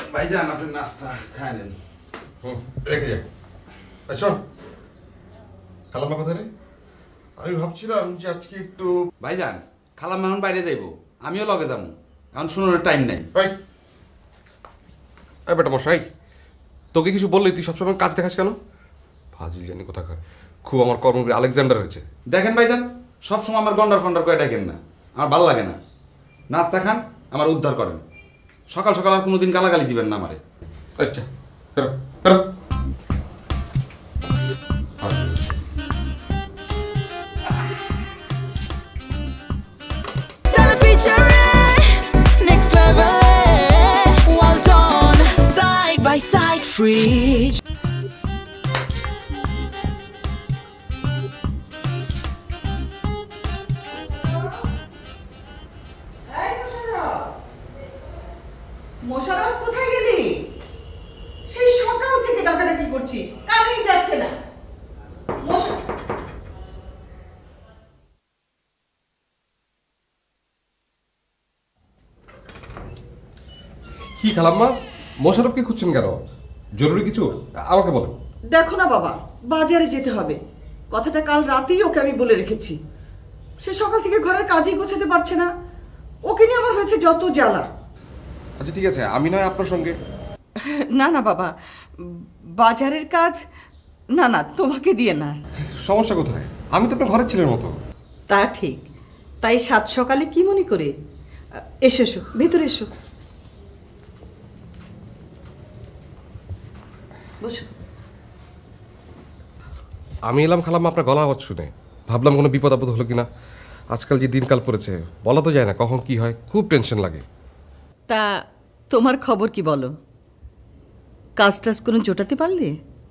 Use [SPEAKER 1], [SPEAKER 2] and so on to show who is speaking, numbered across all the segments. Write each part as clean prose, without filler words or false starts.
[SPEAKER 1] ভাইজান আপনি নাস্তা খায় নেন।
[SPEAKER 2] রেখে যাই। শোন, খালাম্মা কোথায় রে? আমি ভাবছিলাম যে আজকে একটু
[SPEAKER 1] ভাইজান খালাম এখন বাইরে যাইব, আমিও লগে যাবো, এখন শুনোর টাইম নাই।
[SPEAKER 3] এই বেটা মশাই, তোকে কিছু বললি তুই সবসময় কাজ দেখাস কেন? ফাজিল জানি কোথাকার, খুব আমার কর্মবীর আলেকজান্ডার হয়েছে।
[SPEAKER 1] দেখেন ভাইজান, সবসময় আমার গন্ডার ফন্ডার করে ডাকেন না, আমার ভালো লাগে না। নাস্তা খান, আমার উদ্ধার করেন। সকাল সকাল আর কোনোদিন গালাগালি দিবেন না আমারে।
[SPEAKER 3] আচ্ছা বেরো বেরো।
[SPEAKER 4] Next level, well done, side by side, free.
[SPEAKER 5] Mosharraf কোথায় গেলি? সেই সকাল থেকে ডাকাডাকি করছি, কানেই যাচ্ছে না।
[SPEAKER 3] কি খালাম্মা, মোশাররফকে খুঁজছেন কেন? জরুরি কিছু আমাকে বলো।
[SPEAKER 5] দেখো না বাবা, বাজারে যেতে হবে, কথাটা কাল রাতেই ওকে আমি বলে রেখেছি। সে সকাল থেকে ঘরের কাজই গোছাতে পারছে না, ওকে নিয়ে আমার হয়েছে যত জ্বালা।
[SPEAKER 3] আচ্ছা ঠিক আছে, আমি নয় আপনার সঙ্গে।
[SPEAKER 5] না না বাবা, বাজারের কাজ না না, তোমাকে দিয়ে না।
[SPEAKER 3] সমস্যা কোথায়? আমি তো আপনার ঘরের ছেলের মতো।
[SPEAKER 5] তা ঠিক, তাই সাত সকালে কি মনে করে? এসো এসো, ভেতরে এসো, বসো।
[SPEAKER 3] আমি এলাম খালাম্মা আপনার গলা আওয়াজ শুনে, ভাবলাম কোনো বিপদ আপদ হলো কিনা। আজকাল যে দিনকাল পড়েছে বলা তো যায় না কখন কি হয়, খুব টেনশন লাগে।
[SPEAKER 5] তা তোমার খবর কি বলো? কাজ টাজ কোনো জোটাতে পারলে?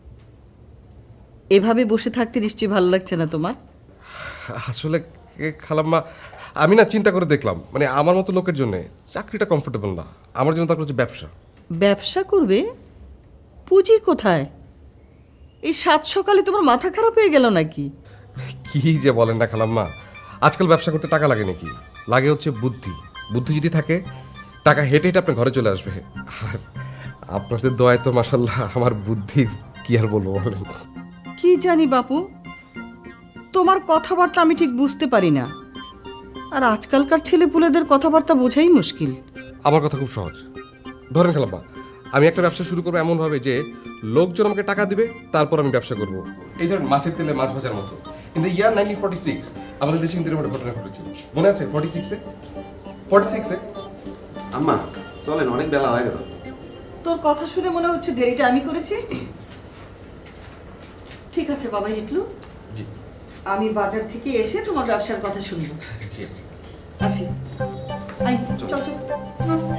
[SPEAKER 5] এভাবে বসে থাকতে নিশ্চয়ই ভালো লাগছে না তোমার?
[SPEAKER 3] আসলে খালাম্মা আমি না চিন্তা করে দেখলাম, মানে আমার মতো লোকের জন্য চাকরিটা কমফোর্টেবল না, আমার জন্য তার হচ্ছে ব্যবসা।
[SPEAKER 5] ব্যবসা করবে? পুঁজি কোথায়? এই সাত সকালে তোমার মাথা খারাপ হয়ে গেল নাকি?
[SPEAKER 3] কি যে বলেন না খালাম্মা, আজকাল ব্যবসা করতে টাকা লাগে নাকি? লাগে হচ্ছে বুদ্ধি। বুদ্ধি যদি থাকে টাকা হেঁটে হেঁটে আপনার ঘরে চলে আসবে। আর আপনাদের দয়ায় তো মাশাল্লাহ আমার বুদ্ধি কি আর বলবো বলেন।
[SPEAKER 5] কি জানি বাপু, তোমার কথাবার্তা আমি ঠিক বুঝতে পারি না, আর আজকালকার ছেলেপুলেদের কথাবার্তা বোঝাই মুশকিল।
[SPEAKER 3] আমার কথা খুব সহজ। ধরেন খালাম্মা, আমি একটা ব্যবসা শুরু করবো এমনভাবে যে লোকজন আমাকে টাকা দিবে, তারপর আমি ব্যবসা করব। এই ধরেন মাছের তেলে মাছ ভাজার মতো। ইন দ্য ইয়ার 1946 আমাদের দেশে কিন্তু একটা ঘটনা ঘটেছিল, মনে আছে? 46-এ
[SPEAKER 1] আম্মা চলেন, অনেক বেলা হয়ে গেল।
[SPEAKER 5] তোর কথা শুনে মনে হচ্ছে দেরিটা আমি করেছি। ঠিক আছে বাবা হিটলু,
[SPEAKER 3] জি
[SPEAKER 5] আমি বাজার থেকে এসে তোমার ব্যবসার কথা শুনবো।
[SPEAKER 3] জি আচ্ছা।
[SPEAKER 5] আসি। আই চল চল।